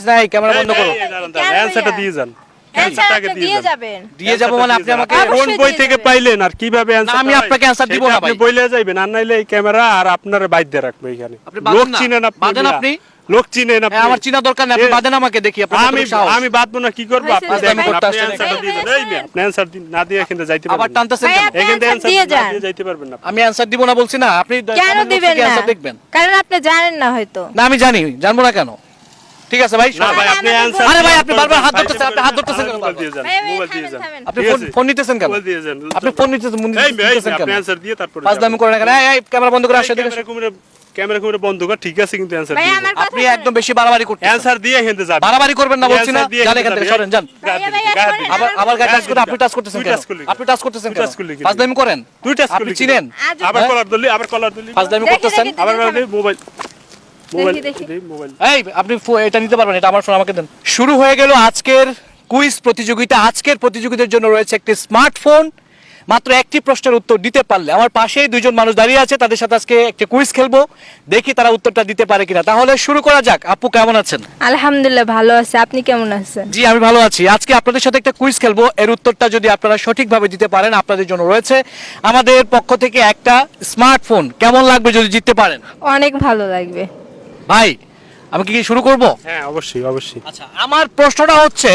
নাই ক্যামেরা বন্ধ করো। অ্যানসারটা দিয়ে যান। অ্যানসারটাকে দিয়ে যাবেন। দিয়ে যাব মানে আপনি আমাকে কোন বই থেকে পাইলেন আর কিভাবে অ্যানসার? আমি আপনাকে অ্যানসার দিব না ভাই। আপনি বইলে যাবেন আর নাইলে এই ক্যামেরা আর আপনারে বাইর দিয়ে রাখবে এখানে। লোক চিনেন আপনি, বাদেন আপনি। লোক চিনেন আপনি। আমার চিনা দরকার নাই, আপনি বাদেন আমাকে দেখি আপনি। আমি বাদবো না, কি করব? আপনি দেখেন আপনি অ্যানসারটা দিয়ে দেন। এই মেয়ে আপনি অ্যানসার না দিয়ে এখানে যাইতে পারবেন। আবার টানতেছেন কেন? এখানে অ্যানসার দিয়ে যাইতে পারবেন না। আমি অ্যানসার দিব না বলছি না, আপনি কেন দিবেন না? দেখবেন। কারণ আপনি জানেন না হয়তো। না আমি জানি, জানবো না কেন? ঠিক আছে ভাই। না ভাই আপনি অ্যানসার। আরে ভাই আপনি বারবার হাত ধরতেছেন, আপনি হাত ধরতেছেন কেন? মোবাইল দিয়ে যান, মোবাইল দিয়ে যান। আপনি ফোন নিতেছেন কেন? মোবাইল দিয়ে যান। আপনি ফোন নিতেছেন কেন? আপনি অ্যানসার দিয়ে তারপরে ফাজলামি করেন না কেন? এই ক্যামেরা বন্ধ করে আসো দেখো। ক্যামেরা বন্ধ কর, ঠিক আছে, কিন্তু অ্যানসার দিয়ে যান। আপনি একদম বেশি বাড়াবাড়ি করতেছেন। অ্যানসার দিয়ে এখানে যাবেন। বাড়াবাড়ি করবেন না বলছি না। যান এখান থেকে সরেন, যান। আবার গায়ে টাচ করে আপনি টাচ করতেছেন কেন? আপনি টাচ করতেছেন কেন? ফাজলামি করেন। দুই টাচ আপনি চিনেন? আবার কলার ধরলি, আবার কলার ধরলি। ফাজলামি করতেছেন। আবার মোবাইল দেখি। মোবাইল। এই আপনি এটা নিতে পারবেন, এটা আমার ফোন, আমাকে দেন। শুরু হয়ে গেল আজকের কুইজ প্রতিযোগিতা। আজকের প্রতিযোগিতার জন্য রয়েছে একটি স্মার্টফোন। মাত্র একটি প্রশ্নের উত্তর দিতে পারলে, আমার পাশেই দুইজন মানুষ দাঁড়িয়ে আছে, তাদের সাথে আজকে একটা কুইজ খেলবো, দেখি তারা উত্তরটা দিতে পারে কিনা। তাহলে শুরু করা যাক। আপু কেমন আছেন? আলহামদুলিল্লাহ ভালো আছে, আপনি কেমন আছেন? জি আমি ভালো আছি। আজকে আপনাদের সাথে একটা কুইজ খেলবো, এর উত্তরটা যদি আপনারা সঠিকভাবে দিতে পারেন, আপনাদের জন্য রয়েছে আমাদের পক্ষ থেকে একটা স্মার্টফোন। কেমন লাগবে যদি জিততে পারেন? অনেক ভালো লাগবে। ভাই আমি কি শুরু করব? হ্যাঁ অবশ্যই অবশ্যই। আচ্ছা, আমার প্রশ্নটা হচ্ছে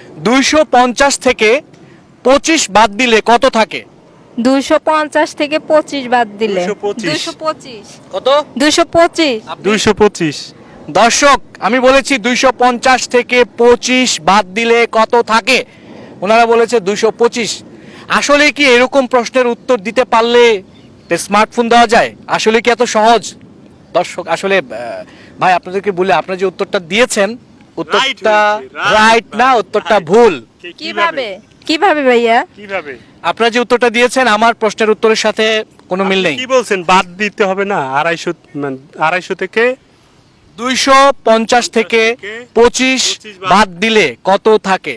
250 থেকে 25 বাদ দিলে কত থাকে? 250 থেকে 25 বাদ দিলে 225 225 কত? 225 225। দর্শক আমি বলেছি 250 থেকে 25 বাদ দিলে কত থাকে, ওনারা বলেছে 225। আসলে কি এরকম প্রশ্নের উত্তর দিতে পারলে স্মার্টফোন দেওয়া যায়? আসলে কি এত সহজ? দর্শক আসলে ভাই আপনাদেরকে বলে, আপনারা যে উত্তরটা দিয়েছেন উত্তরটা রাইট না, উত্তরটা ভুল। কিভাবে ভাইয়া? কিভাবে? আপনারা যে উত্তরটা দিয়েছেন আমার প্রশ্নের উত্তরের সাথে কোনো মিল নেই। কি বলছেন? বাদ দিতে হবে না? 250 থেকে 250 থেকে 25 বাদ দিলে কত থাকে?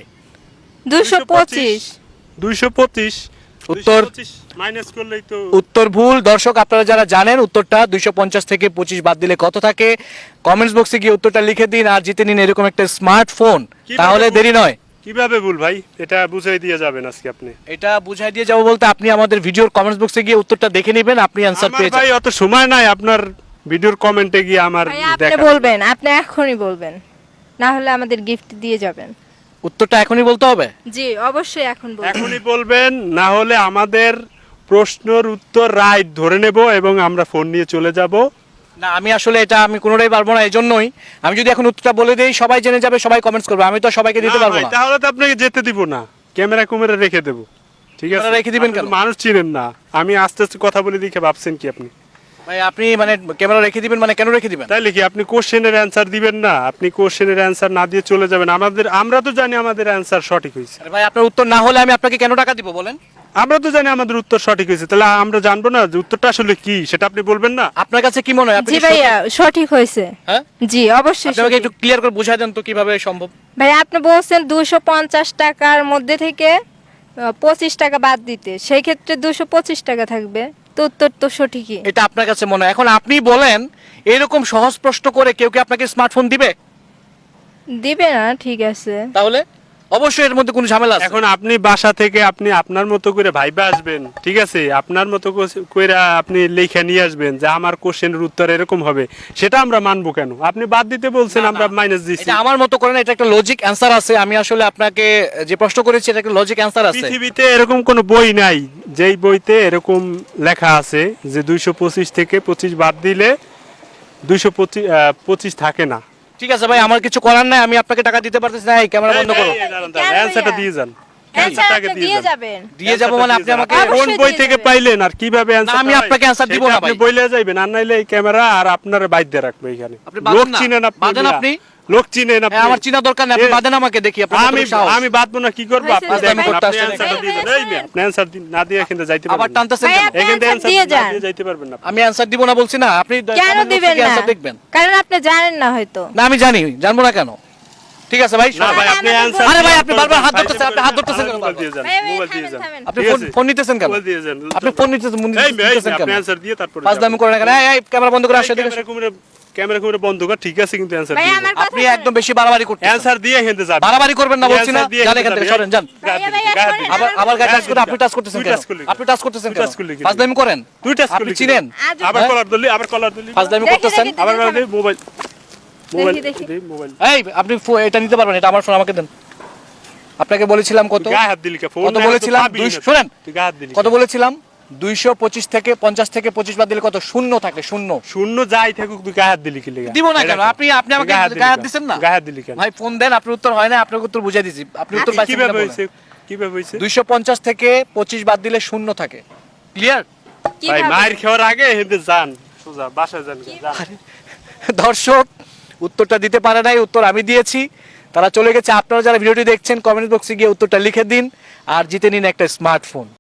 225 225 উত্তর মাইনাস করলেই তো উত্তর ভুল। দর্শক আপনারা যারা জানেন উত্তরটা 250 থেকে 25 বাদ দিলে কত থাকে, কমেন্টস বক্সে গিয়ে উত্তরটা লিখে দিন আর জিতে নিন এরকম একটা স্মার্টফোন। তাহলে দেরি নয়। কিভাবে ভুল ভাই? এটা বুঝাই দিয়ে যাবেন আজকে আপনি। এটা বুঝাই দিয়ে যাবো বলতে আপনি আমাদের ভিডিওর কমেন্টস বক্সে গিয়ে উত্তরটা দেখে নেবেন, আপনি অ্যানসার পেয়ে ভাই যাবেন। অত সময় নাই আপনার ভিডিওর কমেন্টে গিয়ে আমার ভাইয়া আপনি দেখা। বলবেন, আপনি এখনই বলবেন, না হলে আমাদের গিফট দিয়ে যাবেন। উত্তরটা এখনই বলতে হবে? জি অবশ্যই এখন বলবেন। এখনই বলবেন, না হলে আমাদের প্রশ্নের উত্তর রাইট ধরে নেব এবং আমরা ফোন নিয়ে চলে যাব। না আমি আসলে এটা আমি কোনোটাই পারবো না, এজন্যই আমি যদি এখন উত্তরটা বলে দেই সবাই জেনে যাবে, সবাই কমেন্টস করবে, আমি তো সবাইকে দিতে না পারবো ভাই, না। তাহলে তো আপনাকে যেতে দিব না, ক্যামেরা কুমেরা রেখে দেব। ঠিক আছে, ক্যামেরা রেখে দিবেন আপনি তো কেন? মানুষ চিনেন না, আমি আস্তে আস্তে কথা বলে দেখে ভাবছেন কি আপনি? ভাই আপনি মানে ক্যামেরা রেখে দিবেন মানে কেন রেখে দিবেন? তাইলে কি আপনি কোশ্চেনের অ্যানসার দিবেন না? আপনি কোশ্চেনের অ্যানসার না দিয়ে চলে যাবেন। আমরা তো জানি আমাদের অ্যানসার সঠিক হয়েছে। আরে ভাই আপনার উত্তর না হলে আমি আপনাকে কেন টাকা দিব বলেন? আমরা তো জানি আমাদের উত্তর সঠিক হয়েছে, তাহলে আমরা জানবো না যে উত্তরটা আসলে কি, সেটা আপনি বলবেন না? আপনার কাছে কি মনে হয়? আপনি জি কি ভাইয়া সঠিক হয়েছে। হ্যাঁ জি অবশ্যই আপনি আমাকে সঠিক। একটু ক্লিয়ার করে বুঝাই দেন তো কিভাবে সম্ভব? ভাই আপনি বলছেন 250 টাকার মধ্যে থেকে 25 টাকা বাদ দিতে, সেই ক্ষেত্রে 225 টাকা থাকবে, তো উত্তর তো সঠিকই। এটা আপনার কাছে মনে হয়। এখন আপনি বলেন এরকম সহজ প্রশ্ন করে কেউ কি আপনাকে স্মার্টফোন দিবে? দিবে না, ঠিক আছে। তাহলে অবশ্যই এর মধ্যে কোনো ঝামেলা আছে। এখন আপনি বাসা থেকে আপনি আপনার মতো করে ভাইবা আসবেন, ঠিক আছে, আপনার মতো করে আপনি লেখা নিয়ে আসবেন যে আমার কোশ্চেনের উত্তর এরকম হবে, সেটা আমরা মানবো কেন? আপনি বাদ দিতে বলছেন, আমরা মাইনাস দিচ্ছি। এটা আমার মতো করে না, এটা একটা লজিক অ্যানসার আছে। আমি আসলে আপনাকে যে প্রশ্ন করেছি এটা একটা লজিক অ্যানসার আছে। পৃথিবীতে এরকম কোনো বই নাই যেই বইতে এরকম লেখা আছে যে 225 থেকে 25 বাদ দিলে 225 থাকে না। ঠিক আছে ভাই, আমার কিছু করার নাই, আমি আপনাকে টাকা দিতে পারতেছি না। এই ক্যামেরা বন্ধ করো। অ্যানসারটা দিয়ে যান। অ্যানসারটা দিয়ে যাবেন। দিয়ে যাব মানে আপনি আমাকে কোন বই থেকে পাইলেন আর কিভাবে অ্যানসার? আমি আপনাকে অ্যানসার দিব না আপনি ভাই। বইলে যাবেন আর নাইলে এই ক্যামেরা আর আপনারে বাইর দিয়ে রাখবে এখানে। আপনি বাদেন লোক না। চিনেন আপনি। বাদেন আপনি। লোক চিনেন আপনি। আমার চিনা দরকার নাই, আপনি বাদেন আমাকে দেখি আপনি। আমি বাদবো না, কি করব? আপনি হয়েছে, দেখেন, ভাই, আপনি ভাই, অ্যানসারটা ভাই, দিয়ে দেন। ভাই, এই মেয়ে, আপনি অ্যানসার না দিয়ে এখানে যাইতে আবার পারবেন না। টানতেছেন ভাই, কেন? আপনি এখানে অ্যানসার অ্যানসার দিয়ে না যান। দিয়ে যাইতে পারবেন না। আমি অ্যানসার দিব না বলছি না, আপনি কেন দিবেন না? অ্যানসার দেখবেন। কারণ আপনি জানেন না হয়তো। না আমি জানি, জানবো না কেন? ঠিক আছে ভাই। না ভাই, আপনি অ্যানসার। আরে ভাই আপনি বারবার হাত ধরতেছেন, আপনি হাত ধরতেছেন কেন? মোবাইল দিয়ে যান, ভাই, ভাই, মোবাইল দিয়ে থামেন, যান। থামেন। আপনি ঠিক আছে? ফোন নিতেছেন কেন? মোবাইল দিয়ে যান। আপনি ফোন নিতেছেন এই মেয়ে, কেন? আপনি অ্যানসার দিয়ে তারপরে ফাজলামি করেন না কেন? এই ক্যামেরা বন্ধ করে আসো দেখো। ক্যামেরা বন্ধ কর, ঠিক আছে, কিন্তু অ্যানসার ভাই দিয়ে আমার কথা আপনি একদম বেশি বাড়াবাড়ি করতেছেন। অ্যানসার দিয়ে হেঁটে যাবে। বাড়াবাড়ি করবেন না বলছি না, Answer দিয়ে যান এখান থেকে, হেঁটে সরেন, যান। গায়ে ভাইয়া, দিলি, ভাইয়া, গায়ে শোনেন, দিলি। আবার গায়ে টাচ করে, আপনি টাচ করতেছেন তুই কেন? touch করলি। আপনি টাচ করতেছেন তুই কেন? touch করলি কেন? ফাজলামি করেন? তুই টাচ আপনি করলি চিনেন? আজ আবার হ্যাঁ? কলার ধরলি, আবার কলার ধরলি, ফাজলামি দেখি, করতেছেন? দেখি। আবার কলার ধরলি, মোবাইল দেখি। মোবাইল এই আপনি এটা নিতে পারবেন, এটা আমার ফোন, আমাকে দেন। আপনাকে বলেছিলাম কত? গায়ে হাত দিলি কে? ফোন কত নাই, বলেছিলাম? তো পাবিই না। শুনেন, তুই গায়ে হাত দিলি কত কে? বলেছিলাম? 225 থেকে 50 থেকে 25 বাদ দিলে কত? শূন্য থাকে, শূন্য। শূন্য যাই থাকুক, তুই গায়ে হাত দিলি কি লেগে? দিব না এটা কেন? কর। আপনি আমাকে গায়ে হাত দিলি গায়ে হাত কেন? দিছেন না? গায়ে হাত দিলি কেন? ভাই ফোন দেন, আপনার উত্তর হয় না, আপনাকে উত্তর বুঝাই দিছি। আপনি উত্তর পাইছেন কিভাবে কিনা বলেন। হইছে? কিভাবে হইছে? 250 থেকে 25 বাদ দিলে শূন্য থাকে। ক্লিয়ার? ভাই কিভাবে? মায়ের খাওয়ার আগে হেঁটে যান, সোজা বাসায় যান, যান। দর্শক উত্তরটা দিতে পারে নাই, উত্তর আমি দিয়েছি, তারা চলে গেছে। আপনারা যারা ভিডিওটি দেখছেন কমেন্ট বক্সে গিয়ে উত্তরটা লিখে দিন আর জিতে নিন একটা স্মার্টফোন।